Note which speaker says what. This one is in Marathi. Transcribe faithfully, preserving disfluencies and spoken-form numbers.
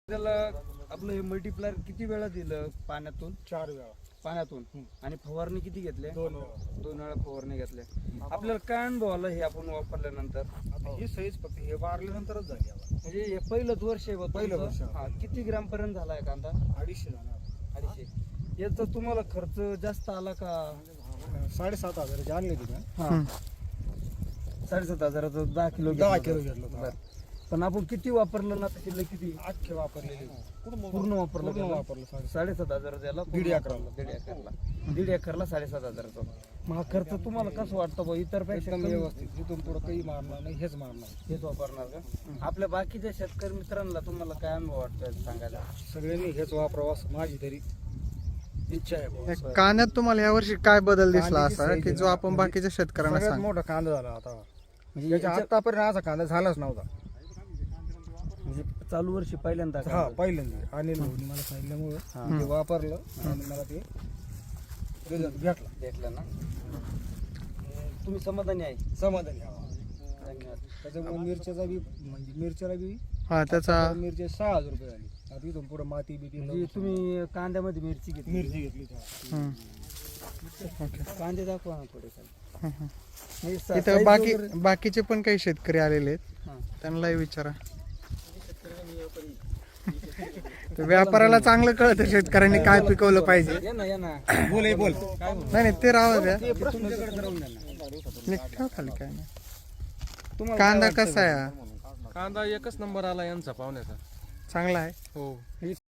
Speaker 1: त्याला आपलं हे मल्टीप्लायर किती वेळा दिलं पाण्यातून?
Speaker 2: चार वेळा
Speaker 1: पाण्यातून. आणि फवारणी किती घेतल्या?
Speaker 2: दोन वेळा
Speaker 1: दोन वेळा फवारणी घेतल्या. आपल्याला काय अनुभव आला हे आपण वापरल्यानंतर?
Speaker 2: आता ही सहीच फक्त हे वारल्यानंतरच झाली आता.
Speaker 1: म्हणजे हे पहिलंच वर्ष आहे बा
Speaker 2: पहिलं
Speaker 1: तुमचं?
Speaker 2: वर्ष.
Speaker 1: हा, किती ग्राम पर्यंत झालाय कांदा?
Speaker 2: अडीचशे जाणार
Speaker 1: अडीचशे. याचा तुम्हाला खर्च जास्त आला का?
Speaker 2: साडेसात हजाराची आणली होती का?
Speaker 1: हा, साडेसात हजाराचं दहा किलो
Speaker 2: दहा
Speaker 1: घेतलं
Speaker 2: किलो
Speaker 1: होतं.
Speaker 2: घेतलं होतं.
Speaker 1: बरं. पण आपण किती वापरलं ना त्याच्यातलं किती?
Speaker 2: अख्खे वापरलेले
Speaker 1: पूर्ण वापरलं
Speaker 2: पूर्ण
Speaker 1: त्याला?
Speaker 2: वापरलं साडे
Speaker 1: साडेसात हजार त्याला
Speaker 2: दीड एकराला.
Speaker 1: दीड एकरला दीड एकरला साडेसात हजाराचा. मग हा खर्च तुम्हाला कसं वाटतं बा? इतर पेक्षा
Speaker 2: एकदम
Speaker 1: कमी?
Speaker 2: व्यवस्थित. इथून पुढं काही मारणार नाही, हेच मारणार.
Speaker 1: हेच वापरणार का? आपल्या बाकीच्या शेतकरी मित्रांना तुम्हाला काय अनुभव वाटतोय सांगायला?
Speaker 2: सगळ्यांनी हेच वापरावं असं माझी तरी इच्छा आहे बुवा.
Speaker 3: या कांद्यात तुम्हाला यावर्षी काय बदल दिसला
Speaker 2: कांद्याची
Speaker 3: असा
Speaker 2: साईज
Speaker 3: की
Speaker 2: आहे
Speaker 3: जो
Speaker 2: ना,
Speaker 3: आपण
Speaker 2: म्हणजे
Speaker 3: बाकीच्या शेतकऱ्यांना
Speaker 2: सगळ्यात
Speaker 3: सांग
Speaker 2: मोठा कांदा झाला आता.
Speaker 1: म्हणजे
Speaker 2: याच्या
Speaker 1: याच्या-
Speaker 2: आतापर्यंत असा कांदा झालाच नव्हता.
Speaker 1: म्हणजे चालू वर्षी पहिल्यांदा
Speaker 2: हा
Speaker 1: कांदा.
Speaker 2: पहिल्यांदा अनिल भाऊनी मला सांगितल्यामुळं ते वापरलं आणि मला ते रिझल्ट भेटला.
Speaker 1: भेटलं ना? तुम्ही समाधानी आहे?
Speaker 2: समाधानी हवा.
Speaker 1: धन्यवाद.
Speaker 2: त्याच्यामुळे मिरच्याचा बी म्हणजे मिरच्याला बी
Speaker 3: हा त्याचा
Speaker 2: मिरची सहा हजार रुपये झाली. आता इथून पुढे माती बिती
Speaker 1: म्हणजे तुम्ही कांद्यामध्ये मिरची घेतली?
Speaker 2: मिरची घेतली तेव्हा.
Speaker 3: हम्म.
Speaker 1: कांदे दाखवा ना थोडे खाली.
Speaker 3: हम्म.
Speaker 1: म्हणजे सा-
Speaker 3: इथं
Speaker 1: size
Speaker 3: बाकी
Speaker 1: वगैरे-
Speaker 3: बाकीचे पण काही शेतकरी आलेले आहेत,
Speaker 1: हा.
Speaker 3: त्यांनाही विचारा. तर व्यापाराला चांगलं कळतं शेतकऱ्यांनी काय पिकवलं पाहिजे.
Speaker 1: ये ना ये ना.
Speaker 2: बोल हे बोल.
Speaker 3: नाही नाही ते राहू द्या.
Speaker 1: ते तुमच्याकडे राहून द्या ना.
Speaker 3: नीट ठेव खाली काय नाही.
Speaker 1: तुम्हाला काय
Speaker 3: कांदा
Speaker 1: वाटतं
Speaker 3: कसा आहे हा?
Speaker 4: कांदा एकच नंबर आला यांचा पाहुण्याचा.
Speaker 3: चांगला आहे.
Speaker 4: हो.